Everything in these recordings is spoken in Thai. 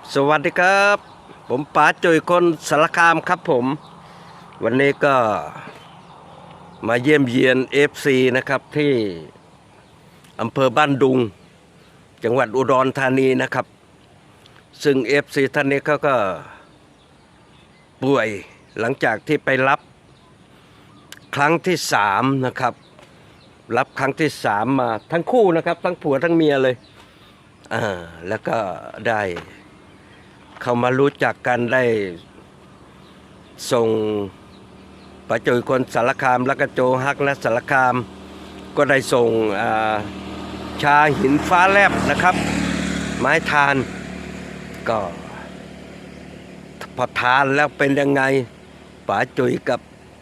สวัสดีครับผมป๋าจุยคนสารคามครับผมวันนี้ก็มาเยี่ยมเยียน FC นะครับที่อำเภอบ้านดุงจังหวัดอุดรธานีนะครับซึ่ง FC ท่านนี้เขาก็ป่วยหลังจากที่ไปรับครั้งที่3นะครับรับครั้งที่3มาทั้งคู่นะครับทั้งผัวทั้งเมียเลยแล้วก็ได้เขามารู้จักกันได้ส่งป๋าจุยคนสารคามแล้วก็โจฮักและสารคามก็ได้ส่งชาหินฟ้าแลบนะครับไม้ทานก็พอทานแล้วเป็นยังไงป๋าจุยกับ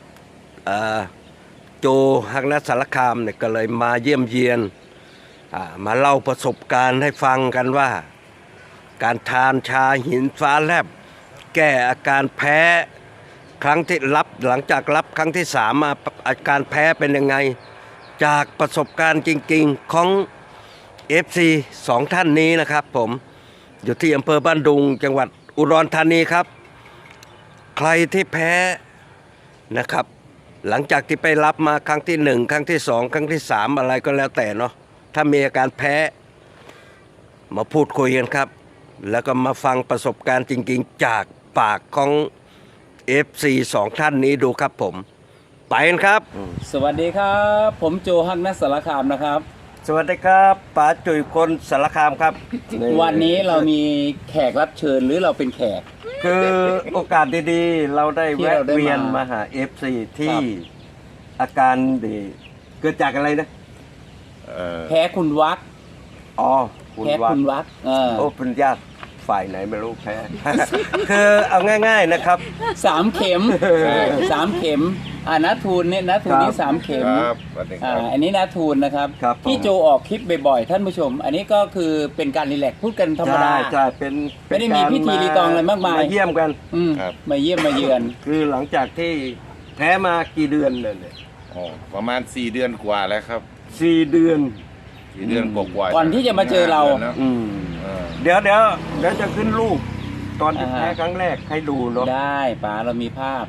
โจฮักและสารคามเนี่ยก็เลยมาเยี่ยมเยียนมาเล่าประสบการณ์ให้ฟังกันว่าการทานชาหินฟ้าแลบแก้อาการแพ้ครั้งที่รับหลังจากรับครั้งที่3มาอาการแพ้เป็นยังไงจากประสบการณ์จริงๆของ FC 2 ท่านนี้นะครับผมอยู่ที่อำเภอบ้านดุงจังหวัดอุดรธานีครับใครที่แพ้นะครับหลังจากที่ไปรับมาครั้งที่1ครั้งที่2ครั้งที่3อะไรก็แล้วแต่เนาะถ้ามีอาการแพ้มาพูดคุยกันครับแล้วก็มาฟังประสบการณ์จริงๆจากปากของ FC 2 ท่านนี้ดูครับผมไปกันครับสวัสดีครับผมโจฮักนัสสารคามนะครับสวัสดีครับป๋าจุยคนสารคามครับวันนี้เรามีแขกรับเชิญหรือเราเป็นแขกคือโอกาสดีๆเราได้แวะเวียนมาหา FC ที่อาการดีเกิดจากอะไรนะแพ้คุณวักอ๋อแพ้คุณวักโอ้เป็นญาติฝ่ายไหนไม่รู้แพ้ คือเอาง่ายๆนะครับ 3 เข็ม3 เข็มนาทูนเนี่ยนาทูนนี่3 เข็มอันนี้นาทูนนะครับที่โจออกคลิปบ่อยๆท่านผู้ชมอันนี้ก็คือเป็นการรีแลกซ์พูดกันธรรมดาใช่เป็นไม่ได้มีพิธีรีตองอะไรมากมายมาเยี่ยมกันมาเยี่ยมมาเยือนคือหลังจากที่แพ้มากี่เดือนเลยประมาณ4 เดือนกว่าแล้วครับ 4 เดือนกว่าก่อนที่จะมาเจอเราเดี๋ยวจะขึ้นรูปตอนที่แพ้ครั้งแรกให้ดูเนาะได้ป๋าเรามีภาพ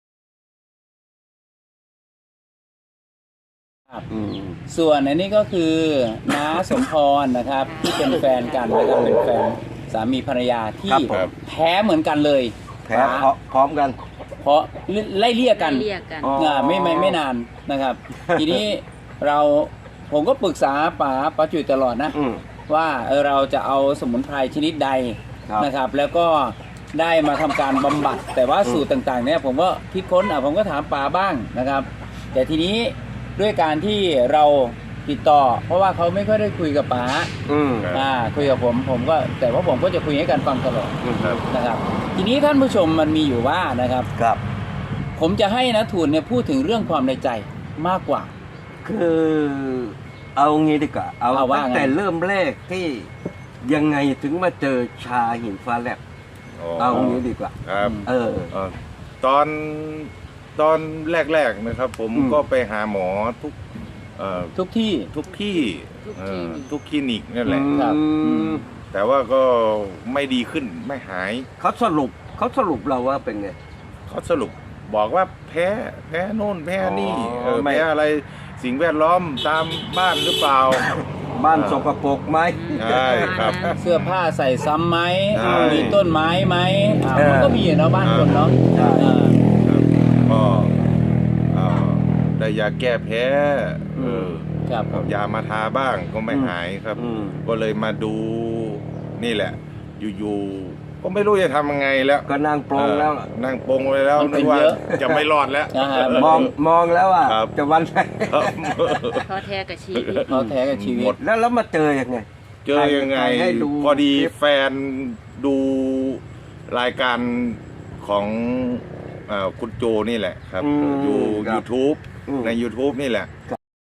ส่วนอันนี้ก็คือน้าสมพรนะครับที่เป็นแฟนกันนะครับเป็นแฟนสามีภรรยาที่แพ้เหมือนกันเลยแพ้พร้อมกันเพราะไล่เลี่ยกันไม่นานนะครับทีนี้ผมก็ปรึกษาป๋าจุ๋ยตลอดนะว่าเราจะเอาสมุนไพรชนิดใดนะครับแล้วก็ได้มาทำการบำบัดแต่ว่าสูตรต่างๆเนี่ยผมก็คิดค้นผมก็ถามป๋าบ้างนะครับแต่ทีนี้ด้วยการที่เราติดต่อเพราะว่าเขาไม่ค่อยได้คุยกับป๋าคุยกับผมก็แต่ว่าผมก็จะคุยให้กันฟังตลอดนะครับทีนี้ท่านผู้ชมมันมีอยู่ว่านะครับผมจะให้นะทูนเนี่ยพูดถึงเรื่องความในใจมากกว่าคือเอางี้ดีกว่าเอาตั้งแต่เริ่มแรกที่ยังไงถึงมาเจอชาหินฟ้าแลบเอางี้ดีกว่าครับตอนแรกๆนะครับผมก็ไปหาหมอทุกที่ทุกคลินิกนั่นแหละครับแต่ว่าก็ไม่ดีขึ้นไม่หายเขาสรุปเราว่าเป็นไงเขาสรุปบอกว่าแพ้โน่นแพ้นี่แพ้อะไรสิ่งแวดล้อมตามบ้านหรือเปล่าบ้านสกปรกไหมใช่ครับเสื้อผ้าใส่ซ้ำไหมมีต้นไม้ไหมมันก็มีเนาะบ้านคนเนาะก็ได้ยาแก้แพ้ยามาทาบ้างก็ไม่หายครับก็เลยมาดูนี่แหละอยู่ก็ไม่รู้จะทำยังไงแล้วก็นั่งปรงแล้วนั่งปรงไปแล้วนึกว่าจะไม่รอดแล้วมองแล้วอ่ะจะวันไหนท้อแท้กับชีวิตแล้วมาเจอยังไงพอดีแฟนดูรายการของคุณโจนี่แหละครับอยู่ YouTube ใน YouTube นี่แหละ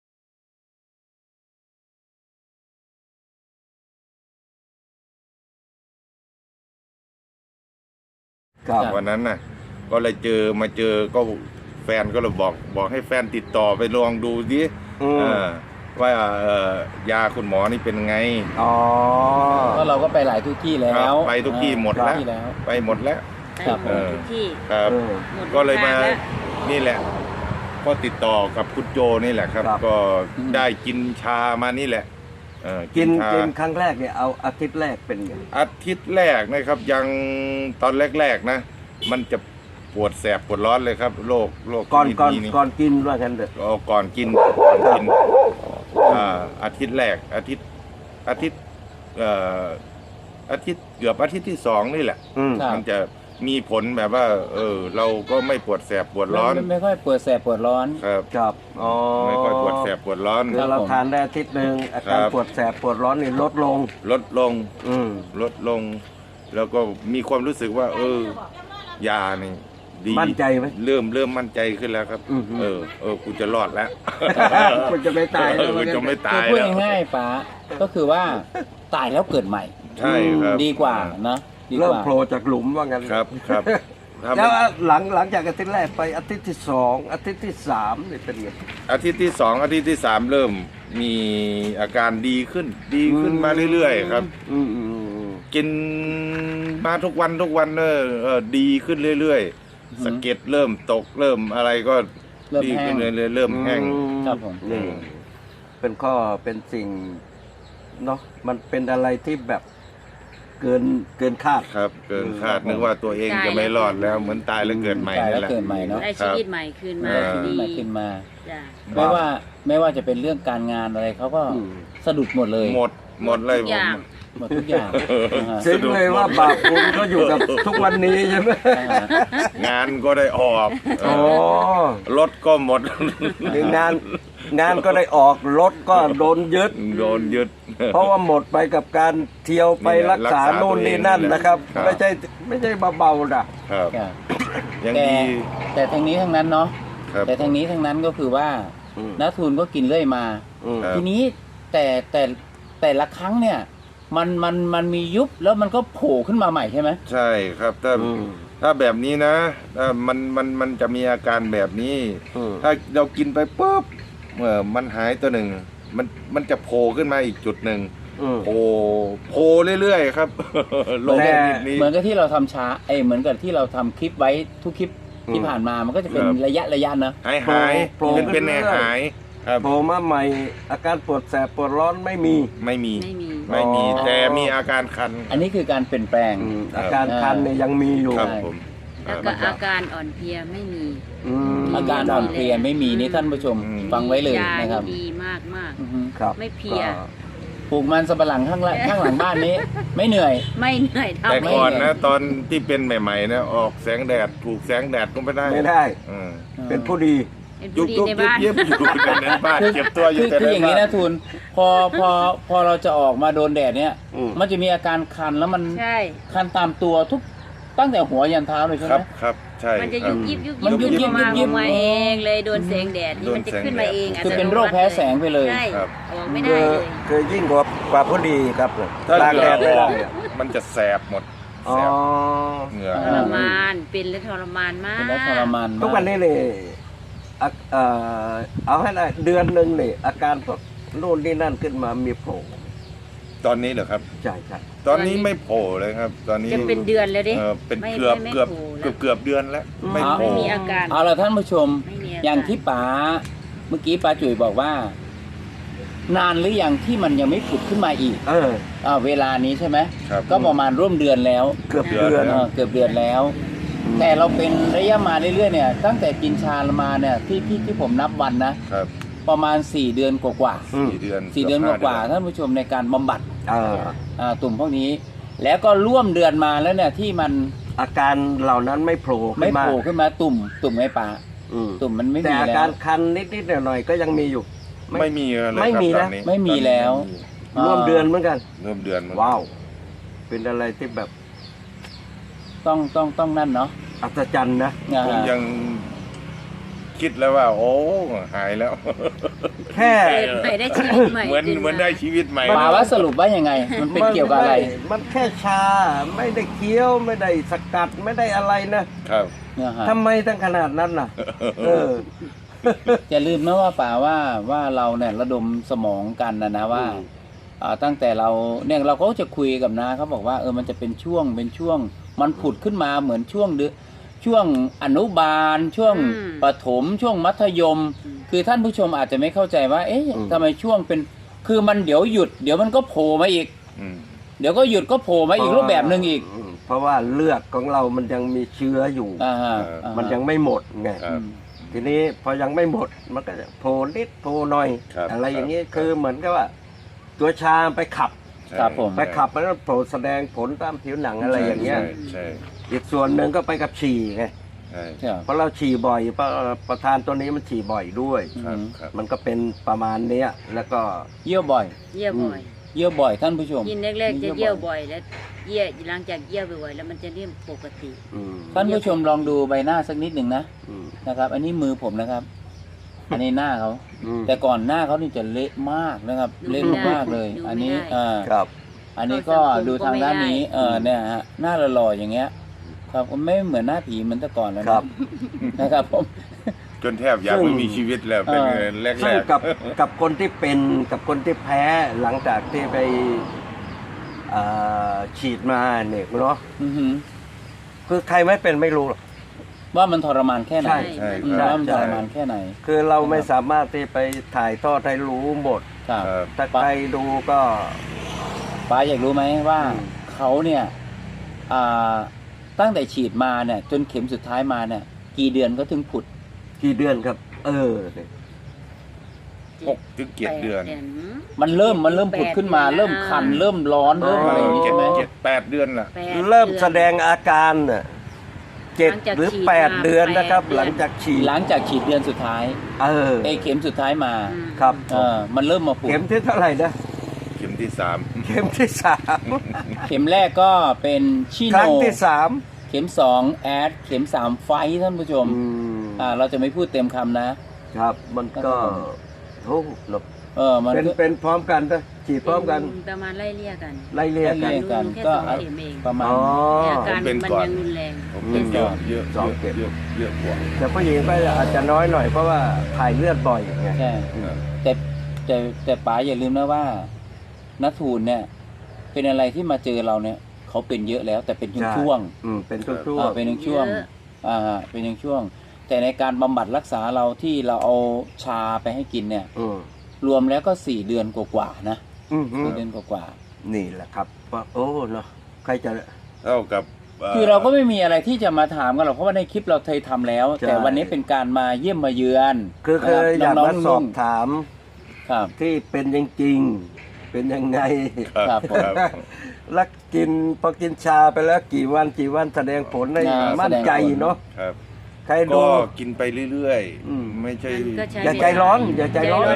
วันนั้นน่ะก็เลยมาเจอก็แฟนก็เลยบอกให้แฟนติดต่อไปลองดูดิว่ายาคุณหมอนี่เป็นไงอ๋อก็เราก็ไปหลายทุกที่แล้ครัวบไปทุกที่หมดแล้วทุกที่แล้วไปหมดแล้วครับไปหมดทุกที่ครับเออหมดก็เลยมาทงแล้วนี่แหละ ก็ติดต่อกับคุณโจนี่แหละครับครับก็ได้กินชามานี่แหละกินชากินครั้งแรกเนี่ยเอาอาทิตย์แรกเป็นไงอาทิตย์แรกนะครับยังตอนแรกๆนะ มันจะปวดแสบปวดร้อนเลยครับโรคก่อนชดก่อนนี่ก่อนกินว่ากันเถอะเอาก่อนกินอาทิตย์แรกอาทิตย์อาทิตย์เกือบอาทิตย์ที่2นี่แหละอืมครับมันจะมีผลแบบว่า เราก็ไม่ปวดแสบปวดร้อนไม่ค่อยปวดแสบปวดร้อนครับครับอ๋อไม่ค่อยปวดแสบปวดร้อนคือเราทานได้อาทิตย์หนึ่งอาการครับปวดแสบปวดร้อนนี่ลดลงลดลงอืมลดลง แล้วก็มีความรู้สึกว่า ยานี่ดีมั่นใจไหมเริ่มมั่นใจขึ้นแล้วครับอือฮึกูจะรอดแล้วคุณจะไม่ตายกูจะไม่คือตายพูดแล้วง่ายๆป๋าก็คือว่าตายแล้วเกิดใหม่ใช่ครับดีกว่านะดีกเริ่มว่าโผล่จากหลุมว่างั้นครับครับถ้าแล้วหลังจากอาทิตย์แรกไปอาทิตย์ที่2อาทิตย์ที่3นี่เป็นไงอาทิตย์ที่ 2 อาทิตย์ที่ 3 เริ่มมีอาการดีขึ้นมาเรื่อยๆครับอืมอืมอืมกินมาทุกวันดีขึ้นเรื่อยๆสะเก็ดเริ่มตกเริ่มอะไรก็เริ่มดีแห้ขึ้งนเรื่อยๆเริ่มแห้งครับผมนี่เป็นข้อเป็นสิ่งเนาะมันเป็นอะไรที่แบบเกินคาดครับ เกินคาดอืมนึกว่าตัวเองจะไม่รอดแล้วเหมือนตายแล้วเกิดใหม่ตายนี่แล้วแหละเกิดใหม่เนาะได้ชีวิตใหม่คืนมา ดีมาขึ้นมาจ้ะไม่ว่าจะเป็นเรื่องการงานอะไรเขาก็อืมสะดุดหมดเลยหมดเลยทุกอย่างหมดทุกอย่างนะฮะซึ้งเลยว่าบาปบุญก็อยู่กับทุกวันนี้ใช่ไหมงานก็ได้ออกอ๋อรถก็หมดงานก็ได้ออกรถก็โดนยึดโดนยึดเพราะว่าหมดไปกับการเที่ยวไปรักษารักษาโน่นนี่นั่นนะครับครับไม่ใช่เบาๆนะครับครับยังแต่ดีแต่ทั้งนี้ทั้งนั้นเนาะครับแต่ทั้งนี้ทั้งนั้นก็คือว่าอืมนักทุนก็กินเรื่อยมาอืมครับทีนี้แต่ละครั้งเนี่ยมันมียุบแล้วมันก็โผล่ขึ้นมาใหม่ใช่ไหมใช่ครับถ้าแบบนี้นะมันจะมีอาการแบบนี้อืมถ้าเรากินไปปุ๊บมันหายตัวหนึ่งมันจะโผล่ขึ้นมาอีกจุดหนึ่งอืมโผล่เรื่อยๆครับลงแต่นิดนี้เหมือนกับที่เราทำช้าเหมือนกับที่เราทำคลิปไว้ทุกคลิปที่อืมผ่านมามันก็จะเป็นครับระยะนะหายโผล่เป็นขึ้นเรื่อยๆหายครับโผล่มาใหม่ อาการปวดแสบปวดร้อนไม่มีไม่มีไม่มีอ๋อแต่มีอาการคันอันนี้คือการเปลี่ยนแปลงอาการคันเนี่ยยังมีอยู่ครับใช่ผมแล้วก็อาการอ่อนเพลียไม่มีมอาการอ่อนเพลียไม่มีนี่ท่านผู้ชมอืมฟังไว้เลยยานะครับดีมากมากอือฮึครับไม่เพลียก็ปลูกมันสำปะหลังข้างหลังบ้านนี้ ไม่เหนื่อยๆไม่เหนื่อยเท่าแต่ไม่ก่อนไม่นะตอนที่เป็นใหม่ๆนะออกแสงแดดถูกแสงแดดก็ไม่ได้ไม่ได้อืมเป็นผู้ดีเป็นยุผู้บดียุบในยิบบ้านยิบอยู่ในนั้นบ้านเก็บตัวอยู่แต่คือในอย่างนี้บ้านนะทุนพอเราจะออกมาโดนแดดเนี่ยอืมมันจะมีอาการคันแล้วมันใช่คันตามตัวทุกตั้งแต่หัวยันเท้าเลยใช่คไหมรับครับใช่มันจะครัยุบบยิบยุบมันยุบยิบมายุบมาเองเลยโดนแสงแดดนี่โดนมันจะแสงขึ้นมาเองคือเป็นโรคแพ้แสงไปเลยใช่ครับออกไม่ได้เลยคือยิ่งกว่าผู้ดีครับถ้าตากเหแดงื่อดไม่อได้อกมันจะแสบหมดอ๋แสอบเหงื่อทรมานเป็นและทรมานมากเป็นแล้วทรมานมากทุกวันนี้เลยเอาให้ได้เดือนหนึ่งนี่อาการแบบนู่นนี่นั่นขึ้นมามีโผล่ตอนนี้เหรอครับใช่ใช่ตอนนี้ไม่โผล่เลยครับ ตอนนี้จะเป็นเดือนเลยดิเป็นไม่เกือบไม่เกือบโผล่แล้วเกือบเดือนแล้วไม่อ๋อโผล่ไม่มีอาการเอาละท่านผู้ชมไม่มีอาการอย่างที่ป๋าเมื่อกี้ป๋าจุ๋ยบอกว่า นานหรือยังที่มันยังไม่ผุดขึ้นมาอีก เวลานี้ใช่ไหมครับก็ประมาณร่วมเดือนแล้วเกือบเดือนเกือบเดือนแล้ว แต่เราเป็นระยะมาเรื่อยๆเนี่ยตั้งแต่กินชามาเนี่ยที่ผมนับวันนะครับ ประมาณ4เดือนกว่า 4 เดือนๆ4เดือนกว่าๆท่านผู้ชมในการบำบัดอ่าตุ่มพวกนี้ แล้วก็ร่วมเดือนมาแล้วเนี่ยที่มันอาการเหล่านั้นไม่โผล่ไม่ขึ้นมาโผล่ขึ้นมาตุ่มไม่ป่าอืมตุ่มมันไม่แต่มีอาแล้กาว รคันนิดๆหน่อยๆก็ยังมีอยู่ไม่มีเลยไม่ครับมีตอนะนี้ไม่มีแล้วร่วมเดือนเหมือนกันร่วมเดือนมันว้าว เป็นอะไรที่แบบต้องนั่นเนาะอัศจรรย์นะผมยังคิดแล้วว่า โอ้หายแล้วแค่เกิดใหม่ได้ชีวิตใหม่เหมือนขึ้าเหมือนได้ชีวิตใหม่ป่าว่าสรุปว่ายังไง มันเป็นเกี่ยวกับอะไรมันแค่ชา ไม่ได้เคี้ยวไม่ได้สกัดไม่ได้อะไรนะครับเนี่ยฮะทำไมตั้งขนาดนั้นน่ะ เอออย่าลืมนะว่าป่าว่าเราเนี่ยระดมสมองกันนะว่าตั้งแต่เราเนี่ยเราก็จะคุยกับนาเขาบอกว่ามันจะเป็นช่วงมันผุดขึ้นมาเหมือนช่วงอนุบาลช่วงประถมช่วงมัธยม คือท่านผู้ชมอาจจะไม่เข้าใจว่าเอ๊ะทำไมช่วงเป็นคือมันเดี๋ยวหยุดเดี๋ยวมันก็โผล่มาอีกเดี๋ยวก็หยุดก็โผล่มาอีกรูปแบบหนึ่งอีกเพราะว่าเลือดของเรามันยังมีเชื้ออยู่มันยังไม่หมดไงทีนี้พอยังไม่หมดมันก็จะโผล่นิดโผล่หน่อยอะไรอย่างนี้คือเหมือนกับว่าตัวชาไปขับไปขับมันก็โผล่แสดงผลตามผิวหนังอะไรอย่างเงี้ยอีกส่วนหนึ่งก็ไปกับฉี่ไงเพราะเราฉี่บ่อยประธานตัวนี้มันฉี่บ่อยด้วยมันก็เป็นประมาณเนี้ยแล้วก็เยี่ยวบ่อยเยี่ยวบ่อยเยี่ยวบ่อยท่านผู้ชมกินแรกๆจะเยี่ยวบ่อยแล้วเยี่ยวหลังจากเยี่ยวบ่อยแล้วมันจะเริ่มปกติท่านผู้ชมลองดูใบหน้าสักนิดหนึ่งนะครับ อันนี้มือผมนะครับ อันนี้หน้าเขาแต่ก่อนหน้าเขานี่จะเละมากนะครับเละมากเลยอันนี้ครับอันนี้ก็ดูทางด้านนี้เนี่ยฮะหน้าหล่อๆอย่างเงี้ยครับไม่เหมือนหน้าผีเหมือนแต่ก่อนแล้วนะครับผมจนแทบอยากไม่มีชีวิตแล้วเป็นแรกๆกับคนที่เป็นกับคนที่แพ้หลังจากที่ไปฉีดมาเนี่ยเนาะคือใครไม่เป็นไม่รู้หรอกว่ามันทรมานแค่ไหนว่ามันทรมานแค่ไหนคือเราไม่สามารถที่ไปถ่ายทอดให้รู้หมดถ้าใครดูก็ป้าอยากรู้ไหมว่าเขาเนี่ยตั้งแต่ฉีดมาเนี่ยจนเข็มสุดท้ายมาเนี่ยกี่เดือนก็ถึงผุดกี่เดือนครับ 6 ถึง 7 เดือนมันเริ่มผุดขึ้นมาเริ่มคันเริ่มร้อนเริ่มอะไรอย่างนี้ใช่ไหม 7-8 เดือนล่ะเริ่มแสดงอาการ7 หรือ 8 เดือนนะครับหลังจากฉีดเดือนสุดท้ายเข็มสุดท้ายมาครับมันเริ่มมาผุดเข็มที่เท่าไหร่นะเข็มที่ 3 เข็มที่เข็มแรกก็เป็นชิโนครั้งที่ 3เข็ม2แอดเข็ม3ไฟท่านผู้ชมเราจะไม่พูดเต็มคำนะครับมันก็โอ้หลบมันเป็นพร้อมกันนะฉีดพร้อมกันประมาณไล่เลี่ยกันก็ประมาณอาการมันยังรุนแรงเป็นเยอะเยอะกว่าแต่ผู้หญิงก็อาจจะน้อยหน่อยเพราะว่าถ่ายเลือดบ่อยไงใช่แต่ป๋าอย่าลืมนะว่านัททูลเนี่ยเป็นอะไรที่มาเจอเราเนี่ยเขาเป็นเยอะแล้วแต่เป็นช่วงเป็นช่วงเป็นช่วงเป็นช่วงแต่ในการบำบัดรักษาเราที่เราเอาชาไปให้กินเนี่ยรวมแล้วก็4 เดือนกว่าๆนะ4 เดือนกว่านี่แหละครับว่าโอ้เนาะใครจะเท่ากับคือเราก็ไม่มีอะไรที่จะมาถามกันหรอกเพราะว่าในคลิปเราเคยทำแล้วแต่วันนี้เป็นการมาเยี่ยมมาเยือนคือเคยอยากมาสอบถามที่เป็นจริงๆเป็นยังไงแล้วพอกินชาไปแล้วกี่วันแสดงผลในมั่นใจเนาะใครดูก็กินไปเรื่อยๆไม่ใช่อย่าใจร้อนอย่าใจร้อน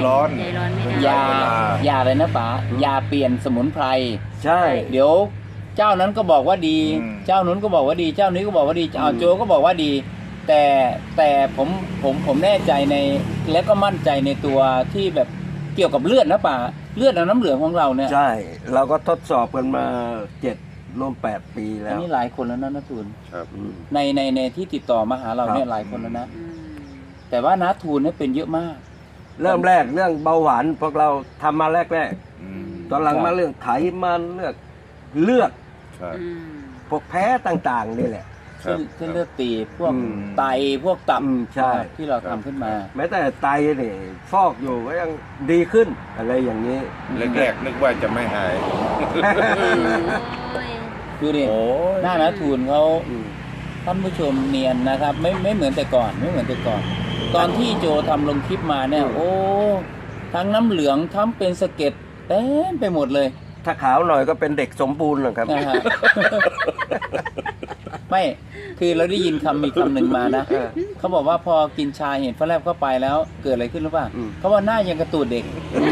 อย่าเลยนะป๋ายาเปลี่ยนสมุนไพรใช่เดี๋ยวเจ้านั้นก็บอกว่าดีเจ้านู้นก็บอกว่าดีเจ้านี้ก็บอกว่าดีโจก็บอกว่าดีแต่ผมแน่ใจในและก็มั่นใจในตัวที่แบบเกี่ยวกับเลือดนะป๋าเลือดน้ำเหลืองของเราเนี่ยใช่เราก็ทดสอบกันมา7 ร่วม 8 ปีแล้วอันนี้หลายคนแล้วนะนัททูลในที่ติดต่อมาหาเราเนี่ยหลายคนแล้วนะแต่ว่านัททูลเนี่ยเป็นเยอะมากเริ่มแรกเรื่องเบาหวานพวกเราทำมาแรกตอนหลังมาเรื่องไขมันเลือดพวกแพ้ต่างๆนี่แหละเส้นเลือดตีบพวกไตพวกตับที่เราทำขึ้นมาแม้แต่ไตนี่ฟอกอยู่ก็ยังดีขึ้นอะไรอย่างนี้แรกๆนึกว่าจะไม่หายดูดิหน้านัททูลเขาท่านผู้ชมเนียนนะครับไม่เหมือนแต่ก่อนตอนที่โจทำลงคลิปมาเนี่ยโอ้ทั้งน้ำเหลืองทั้งเป็นสะเก็ดเต็มไปหมดเลยถ้าขาวหน่อยก็เป็นเด็กสมบูรณ์นะครับไม่คือเราได้ยินมีคำหนึ่งมานะเขาบอกว่าพอกินชาเห็นฟ้าแลบเข้าไปแล้วเกิดอะไรขึ้นหรือเปล่าเขาว่าหน้ายังกระตูดเด็ก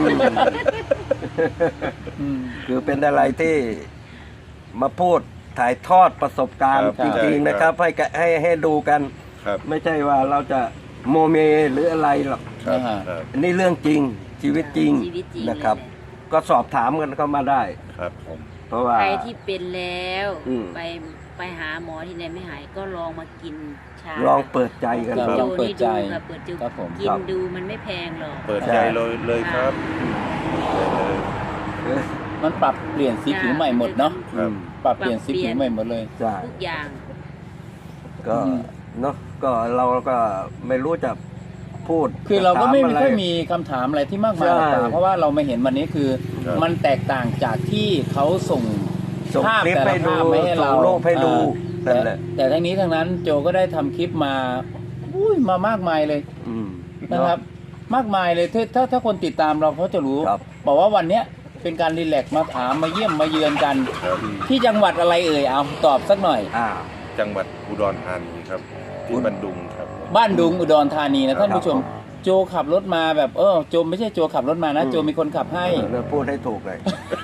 คือเป็นอะไรที่มาพูดถ่ายทอดประสบการณ์จริงๆนะครับให้ดูกันไม่ใช่ว่าเราจะโมเมหรืออะไรหรอกนี่เรื่องจริงชีวิตจริงนะครับก็สอบถามกันเข้ามาได้ครับผมเพราะว่าใครที่เป็นแล้วอืมไปหาหมอที่ไหนไม่หายก็ลองมากินชาลองเปิดใจกันครับดูลองเปิดใจค่ะเปิดใจครับผมกินครับดูมันไม่แพงหรอกเปิดใจเลยครับเลยมันปรับเปลี่ยนสีผิวใหม่หมดเนาะครับปรับเปลี่ยนสีผิวใหม่หมดเลยใช่ทุกอย่างก็อืมเนาะก็เราก็ไม่รู้จะพูดคือเราก็ไม่จะถค่อยอะไรมีคำถามอะไรที่มากมายใช่หรอกเพราะว่าเรามาเห็นวันนี้คือครับมันแตกต่างจากที่เขาส่งส่งภาพคลิปแต่ละให้ดูภาพมาให้เราส่งรูปให้ดูแต่นั่นแหละแต่ทั้งนี้ทั้งนั้นโจก็ได้ทำคลิปมามามากมายเลยอืมนะครับ มากมายเลยถ้าคนติดตามเราเขาจะรู้ครับบอกว่าวันเนี้ยเป็นการรีแลกซ์มาถามมาเยี่ยมมาเยือนกันครับที่จังหวัดอะไรเอ่ยเอาตอบสักหน่อยอ่าจังหวัดอุดรธานีครับที่บันดุงครับบ้านดุงอุดรธานีนะท่านผู้ชมครับโจขับรถมาแบบโจไม่ใช่โจขับรถมานะ โจมีคนขับให้เราพูดให้ถูกเลย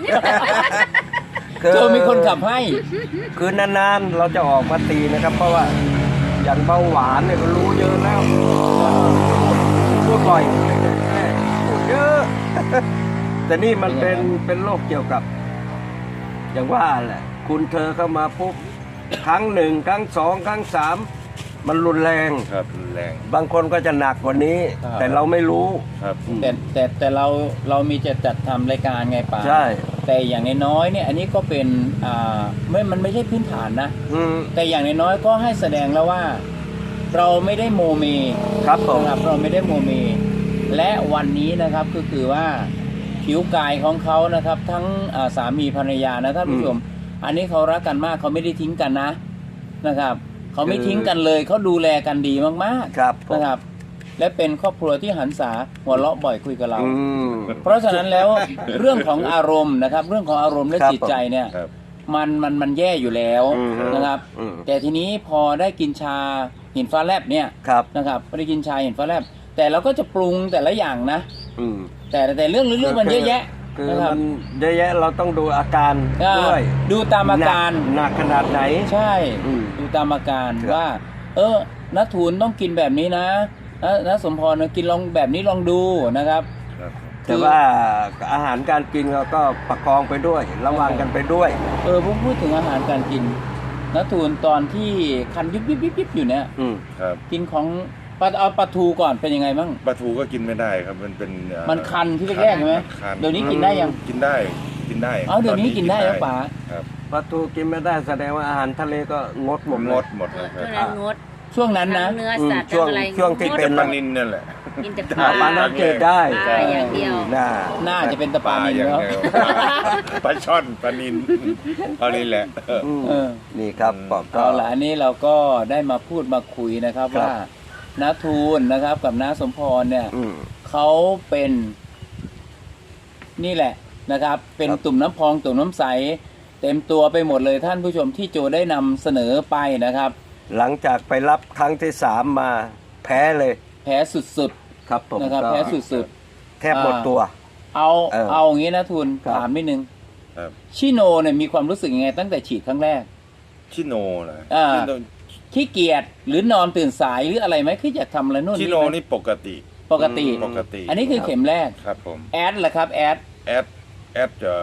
โจมีคนขับให้คือนานๆเราจะออกมาตีนะครับ เพราะว่าอย่างเบาหวานเนี่ยก็รู้เยอะแล้วพูดบ่อยพูดเยอะ แต่นี่มันเป็นโรคเกี่ยวกับ อย่างว่าแหละ คุณเธอเข้ามาปุ๊บครั้งหนึ่งครั้งสองครั้งสามมันรุนแรงครับรุนแรงบางคนก็จะหนักกว่านี้ครับแต่เราไม่รู้ครับแต่เรามีจะจัดทำรายการไงป่าใช่แต่อย่างน้อยๆเนี่ยอันนี้ก็เป็นมันไม่ใช่พื้นฐานนะอืมแต่อย่างน้อยๆก็ให้แสดงแล้วว่า เราไม่ได้โมเมครับผมนะครับเราไม่ได้โมเม และวันนี้นะครับก็คือว่าผิวกายของเขานะครับ ทั้งสามีภรรยานะท่านผู้ชม อันนี้เขารักกันมากเขาไม่ได้ทิ้งกันนะครับเขาไม่ทิ้งกันเลยเขาดูแลกันดีมากครับผมๆนะครับ และเป็นครอบครัวที่หันษาหัวเราะบ่อยคุยกับเราอืมเพราะฉะนั้นแล้ว เรื่องของอารมณ์นะครับ เรื่องของอารมณ์และครับจิตใจเนี่ยครับมันแย่อยู่แล้วอืมนะครับอืมแต่ทีนี้พอได้กินชาหินฟ้าแลบเนี่ยครับนะครับพอได้กินชาหินฟ้าแลบแต่เราก็จะปรุงแต่ละอย่างนะอืมแต่เรื่องลึกๆมันเยอะแยะคือนะครับมันเยอะแยะเราต้องดูอาการอ่าด้วยดูตามอาการหนักขนาดไหนใช่อืมดูตามอาการครับว่า นัททูลต้องกินแบบนี้นะนะสมพรกินลองแบบนี้ลองดูนะครับครับแต่ว่าอาหารการกินเราก็ประคองไปด้วย ระวังกันไปด้วยผมพูดถึงอาหารการกินนัททูลตอนที่คันยิบอยู่เนี่ยอืมครับกินของเอาปลาทูก่อนเป็นยังไงบ้างปลาทูก็กินไม่ได้ครับมันเป็นมันคันที่แรกๆใช่ไหมคันเดี๋ยวนี้กินได้ยังกินได้กินได้เดี๋ยวนี้กินได้แล้วป๋าครับปลาทูกินไม่ได้แสดงว่าอาหารทะเลก็งดหมดงเลยดหมดเลยคเท่ารับนั้นงดช่วงนั้นนะทั้งเนื้อสัตว์ช่วงทั้งอะไรช่วงที่งดเป็นปลานินนั่นแหละกินแต่ปลาน้ำจืดได้ปลาอย่างเดียวน่าน่าจะเป็นตะปานินอย่างแล้วเดียวปลาช่อนปลานินเอานี่แหละอืมเออนี่ครับบอกก็เอาล่ะอันนี้เราก็ได้มาพูดมาคุยนะครับครับว่าน้าทูลนะครับ กับน้าสมพรเนี่ยอืมเขาเป็นนี่แหละนะครับ เป็นครับตุ่มน้ำพองตุ่มน้ำใส เต็มตัวไปหมดเลยท่านผู้ชมที่โจได้นำเสนอไปนะครับหลังจากไปรับครั้งที่3มาแพ้เลยแพ้สุดครับผมๆนะครับก็แพ้สุดแทบหมดตัวๆเอาเออเอาอย่างนี้นะทูลครับถามนิดนึงครับชิโนเนี่ยมีความรู้สึกยังไงตั้งแต่ฉีดครั้งแรกชิโนเหรออ่าชิโนขี้เกียจหรือนอนตื่นสายหรืออะไรไหมคืออยากทำอะไรนู่นชินี่โนไหมนี่ปกติปกติปกติอันนี้คือเข็มแรกครับผมแอดเหรอครับแอดแอดจะ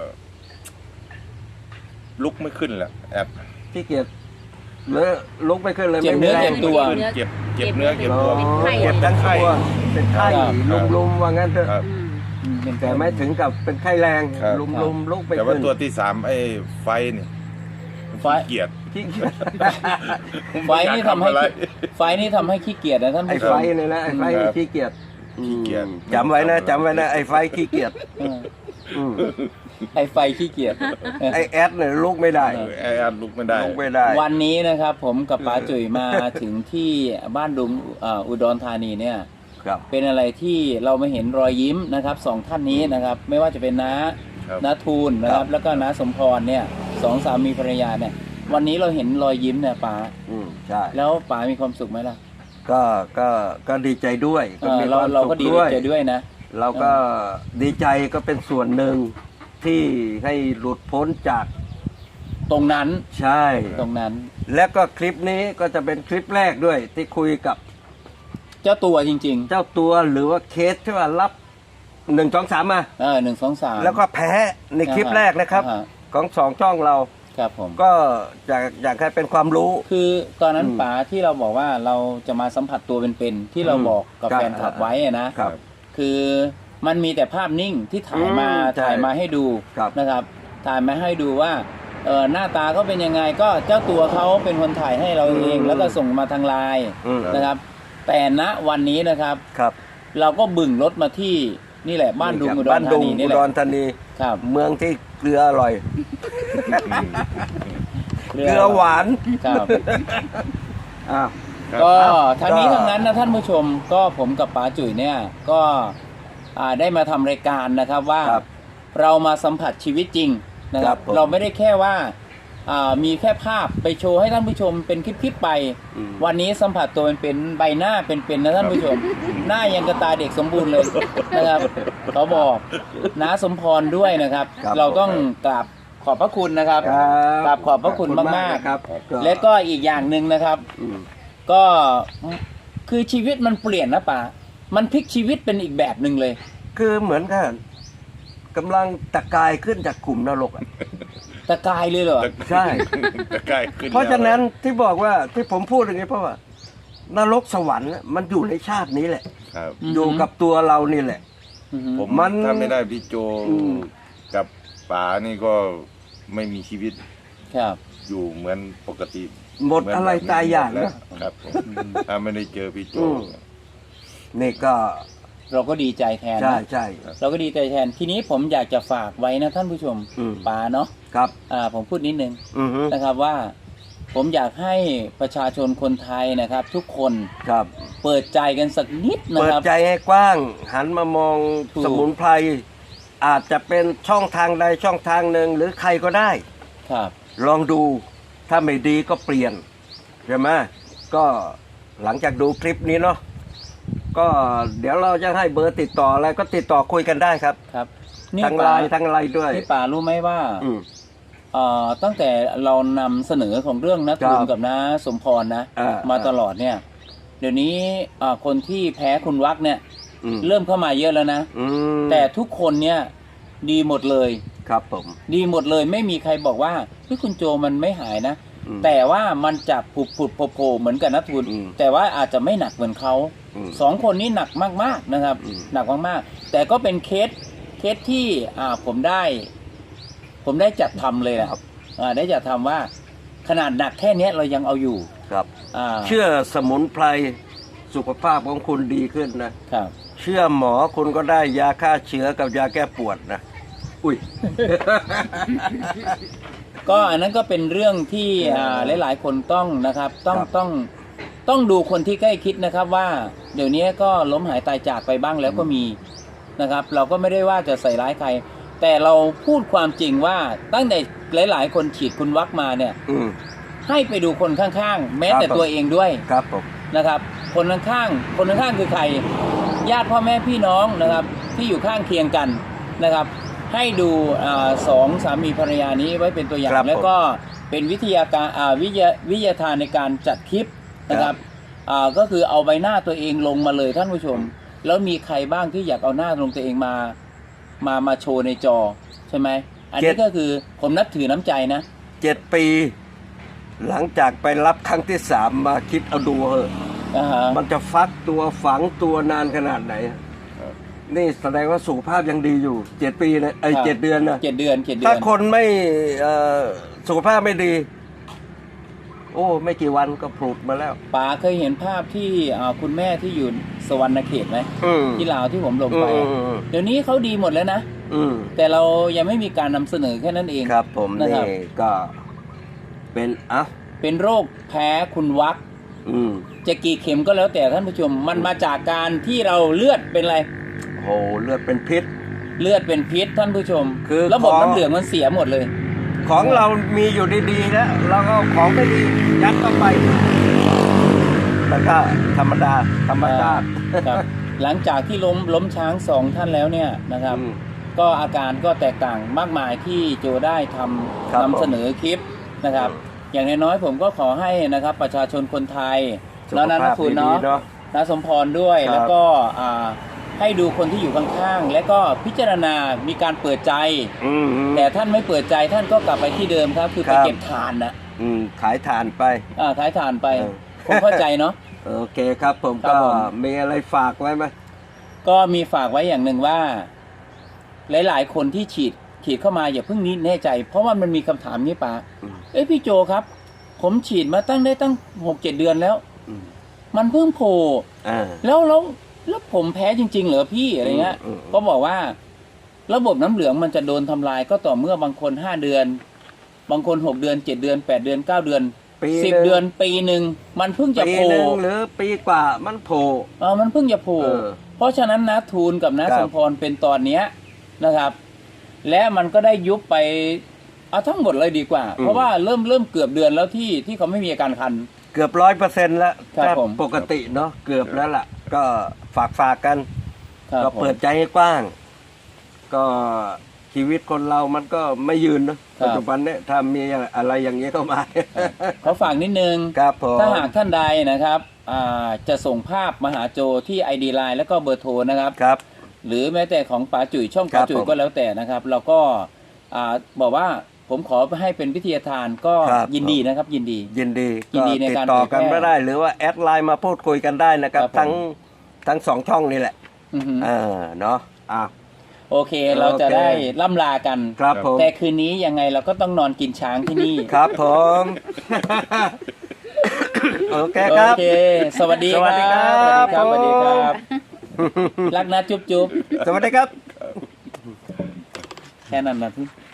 ลุกไม่ขึ้นแหละแอดที่เกียจเลอะลุกไม่ขึ้นเลยเจ็บไม่เนื้มีอแรเจ็งบตัวเจ็บเนื้อเจ็บตัวอ๋อเป็นไข้เจ็บทั้งตัวเป็นไข้ครับลุมๆว่างั้นเถอะครับอืมแต่ไม่ถึงกับเป็นไข้แรงครับลุมๆลุกไปแต่ว่าขึ้นตัวที่3ไอ้ไฟนี่ไฟเกลียดขี้เกียจไฟนี่ทำให้อยากทำอะไรไฟนี่ทำให้ขี้เกียจนะท่านไอ้ผู้ชไฟมนี่นะไอ้ไฟครับขี้เกียจขี้เกียจจำไว้นะจำไว้นะไอ้ไฟขี้เกียจเอออืมไอไฟขี้เกียจไอ้แอดเนี่ยลุกไม่ได้ไอ้แอดลุกไม่ได้ลุกไม่ได้วันนี้นะครับ ผมกับป๋าจุ๋ยมาถึงที่บ้านดุงอุดรธานีเนี่ยครับเป็นอะไรที่เราไม่เห็นรอยยิ้มนะครับสองท่านนี้นะครับ ไม่ว่าจะเป็นน้าครับน้าทูลนะครับ แล้วก็น้าสมพรเนี่ยสองสามีภรรยาเนี่ย วันนี้เราเห็นรอยยิ้มเนี่ยป๋าใช่แล้วป๋ามีความสุขไหมล่ะก็ดีใจด้วยเออมีเราควมเราสุขก็ดีด้วยใจด้วยนะเราก็ดีใจก็เป็นส่วนหนึ่งที่ให้หลุดพ้นจากตรงนั้นใช่ตรงนั้นและก็คลิปนี้ก็จะเป็นคลิปแรกด้วย ที่คุยกับเจ้าตัวจริงเจ้าตัวหรือว่าเคสที่ว่ารับ1 2 3มาๆ1 2 3 แล้วก็แพ้ในคลิปแรกนะครับของสองช่องเราครับผมก็อยากให้เป็นความรู้คือตอนนั้นอืมป๋าที่เราบอกว่าเราจะมาสัมผัสตัวเป็นๆที่เราบอกกับครับแฟนคลับไว้อะนะครับคือมันมีแต่ภาพนิ่งที่ถ่ายมาใช่ถ่ายมาให้ดูครับนะครับ ถ่ายมาให้ดูว่าหน้าตาเขาเป็นยังไงก็เจ้าตัวเขาเป็นคนถ่ายให้เราเอง แล้วก็ส่งมาทางไลน์อืมนะครับ แต่ณวันนี้นะครับครับเราก็บึ่งรถมาที่นี่แหละบ้านดุงอุดรบ้านธาดุงนีอุนี่แหดละรธานีครับเมืองที่เกลืออร่อยเรืเกลือหวานครับอ่ะครับก็ทั้งนี้ก็ทั้งนั้นนะท่านผู้ชมก็ผมกับป๋าจุ๋ยเนี่ยก็ได้มาทำรายการนะครับว่าครับเรามาสัมผัสชีวิตจริงนะครับครับผมเราไม่ได้แค่ว่ามีแค่ภาพไปโชว์ให้ท่านผู้ชมเป็นคลิปๆไปอืมวันนี้สัมผัสตัวเป็นใบหน้าเป็นๆนะท่านผู้ชม หน้ายังกระตาเด็กสมบูรณ์เลยนะครับเขาบอกน้าสมพรด้วยนะครับครับเราต้องกราบขอบพระคุณนะครับครับกราบขอบพระคุณมากนะครับๆ และก็อีกอย่างหนึ่งนะครับอืมก็คือชีวิตมันเปลี่ยนนะป๋ามันพลิกชีวิตเป็นอีกแบบหนึ่งเลยคือเหมือนกันกำลังตะกายขึ้นจากกลุ่มนรกอะตะกายเลยเหรอใช่ตะกายขึ้นเพราะฉะนั้นที่บอกว่าที่ผมพูดอย่างนี้เพราะว่านรกสวรรค์น่ะมันอยู่ในชาตินี้แหละครับอือฮึอยู่กับตัวเรานี่แหละอือฮึผมมันถ้าไม่ได้พี่โจอืมกับป๋านี่ก็ไม่มีชีวิตครับอยู่เหมือนปกติหมดอะไรตายอย่างแล้วนะครับผมถ้าไม่ได้เจอพี่โจอืม นี่ก็เราก็ดีใจแทนใช่นะใช่เราก็ดีใจแทนทีนี้ผมอยากจะฝากไว้นะท่านผู้ชมอืมป๋าเนาะครับผมพูดนิดนึงอือฮึนะครับว่า ผมอยากให้ประชาชนคนไทยนะครับ ทุกคนครับเปิดใจกันสักนิดนะเปิดครับใจให้กว้าง หันมามองถูกสมุนไพรอาจจะเป็นช่องทางใดช่องทางหนึ่งหรือใครก็ได้ครับลองดูถ้าไม่ดีก็เปลี่ยนใช่ไหมก็หลังจากดูคลิปนี้เนาะก็เดี๋ยวเราจะให้เบอร์ติดต่ออะไรก็ติดต่อคุยกันได้ครับครับนี่ทั้งไลป๋าน์ทั้งอะไรด้วยนี่ป๋ารู้ไหมว่าอืมตั้งแต่เรานำเสนอของเรื่องนักครับทุนกับน้าสมพรนะ มาตลอดเนี่ย เดี๋ยวนี้คนที่แพ้คุณวักเนี่ยอืมเริ่มเข้ามาเยอะแล้วนะอืมแต่ทุกคนเนี่ยดีหมดเลยครับผมดีหมดเลยไม่มีใครบอกว่าพี่คุณโจมันไม่หายนะอืมแต่ว่ามันจะผุดโผล่เหมือนกับนักทุนอืมแต่ว่าอาจจะไม่หนักเหมือนเขาอืมสองคนนี้หนักมากๆนะครับอืมหนักมากๆแต่ก็เป็นเคสที่ผมได้จัดทำเลยนะครับ ได้จัดทำว่าขนาดหนักแค่เนี้ยเรายังเอาอยู่ครับอ่าเชื่อสมุนไพรสุขภาพของคุณดีขึ้นนะครับเชื่อหมอคุณก็ได้ยาฆ่าเชื้อกับยาแก้ปวดนะ อุ้ยก็อันนั้นก็เป็นเรื่องที่หลายๆคนต้องนะครับต้องครับต้องดูคนที่ใกล้คิดนะครับว่าเดี๋ยวนี้ก็ล้มหายตายจากไปบ้างแล้วก็มีนะครับ เราก็ไม่ได้ว่าจะใส่ร้ายใคร แต่เราพูดความจริงว่าตั้งแต่หลายๆ คนฉีดคุณวักมาเนี่ยอืมให้ไปดูคนข้างๆ แม้ครับแต่ตัวเองด้วยครับผมนะครับ คนข้างๆคือใคร ญาติพ่อแม่พี่น้องนะครับที่อยู่ข้างเคียงกันนะครับ ให้ดูสองสามีภรรยานี้ไว้เป็นตัวอย่างครับผมแล้วก็เป็นวิทยาการวิทยาทานในการจัดคลิปนะครับก็คือเอาใบหน้าตัวเองลงมาเลยท่านผู้ชม แล้วมีใครบ้างที่อยากเอาหน้าลงตัวเองมาโชว์ในจอใช่ไหมอันนี้ก็คือผมนับถือน้ำใจนะ 7 ปี หลังจากไปรับครั้งที่ 3 มาคิดเอาดูเหอะ มันจะฟักตัวฝังตัวนานขนาดไหน นี่แสดงว่าสุขภาพยังดีอยู่ 7 ปีนะครับ 7 เดือนนะ 7 เดือนถ้าคนไม่สุขภาพไม่ดี โอ้ไม่กี่วันก็ผุดมาแล้วป๋าเคยเห็นภาพที่คุณแม่ที่อยู่สวรรณเขตไหมอืมที่ลาวที่ผมลงไป เดี๋ยวนี้เขาดีหมดแล้วนะอืมแต่เรายังไม่มีการนำเสนอแค่นั้นเองครับผมนะนี่ครับก็เป็นอ่ะเป็นโรคแพ้คุณวักอืมจะกี่เข็มก็แล้วแต่ท่านผู้ชม มันมาจากการที่เราเลือดเป็นอะไรโหเลือดเป็นพิษเลือดเป็นพิษท่านผู้ชมคือระบบของน้ำเหลืองมันเสียหมดเลยของเรามีอยู่ดีๆแล้วเราก็เอาของไม่ดียัดเข้าไปแล้วก็ธรรมดาธรรมชาติครับ หลังจากที่ล้มช้างสองท่านแล้วเนี่ยนะครับอืมก็อาการก็แตกต่างมากมายที่โจได้ทครับำนำเสนอคลิปนะครับ อย่างน้อยๆผมก็ขอให้นะครับประชาชนคนไทยสุขแล้วนะภาพคุณดีเนาะๆเนาะนะสมพรด้วยครับแล้วก็ให้ดูคนที่อยู่ข้างๆและก็พิจารณามีการเปิดใจอืมแต่ท่านไม่เปิดใจท่านก็กลับไปที่เดิมครับ คือไปครับเก็บทานนะขายฐานไปขายทานไปเออผมเข้าใจเนาะโอเคครับผมครับก็ผมมีอะไรฝากไว้ไหมก็มีฝากไว้อย่างหนึ่งว่า หลายๆ คนที่ฉีดเข้ามาอย่าเพิ่งนี้แน่ใจ เพราะว่ามันมีคำถามนี้ปะเอ้ยพี่โจครับ ผมฉีดมาตั้ง 6-7 เดือนแล้วอืมมันเพิ่งโผล่อ่าแล้วผมแพ้จริง ๆ เหรอพี่อะไรเงี้ยอืมก็บอกว่า ระบบน้ำเหลืองมันจะโดนทำลายก็ต่อเมื่อบางคน5 เดือน บางคน6 เดือน 7 เดือน 8 เดือน 9 เดือนปี 10 เดือนปีหนึ่งมันเพิ่งจะปีโผล่หนึ่งหรือปีกว่ามันโผล่มันเพิ่งจะโผล่เออเพราะฉะนั้นนะทูลกับนะครับ สมพรเป็นตอนเนี้ยนะครับ และมันก็ได้ยุบไปเอาทั้งหมดเลยดีกว่า เพราะว่าเริ่มเกือบเดือนแล้วที่เขาไม่มีอาการคันเกือบ100%แล้วครับถ้าผมปกติเนาะเกือบแล้วล่ะ ก็ฝากกันครับก็ผมเปิดใจให้กว้าง ก็ชีวิตคนเรามันก็ไม่ยืนเนอะครับปัจจุบันเนี่ยถ้ามีอะไรอย่างนี้เข้ามาขอฝากนิดนึงครับผมถ้าหากท่านใดนะครับจะส่งภาพมาหาโจที่ ID Line แล้วก็เบอร์โทรนะครับครับหรือแม้แต่ของป๋าจุ๋ยช่องครัป๋าบจุ๋ยผมก็แล้วแต่นะครับ เราก็บอกว่าผมขอให้เป็นวิทยาทานก็ครับยินดีนะครับ ยินดียินดียินดีในติดการต่อเผยแพร่กันไม่ได้ หรือว่าแอดไลน์มาพูดคุยกันได้นะครับครับผมทั้งสองช่องนี่แหละอือฮึเนาะอ่ะโอเค เราจะได้ล่ำลากันครับผมแต่คืนนี้ยังไงเราก็ต้องนอนกินช้างที่นี่ครับผม โอเคคโอรับเค สวัสดีสวัสดีครับสวัสดีครับผมรักนะจุ๊บสวัสดีครับแค่นั้นนะพี่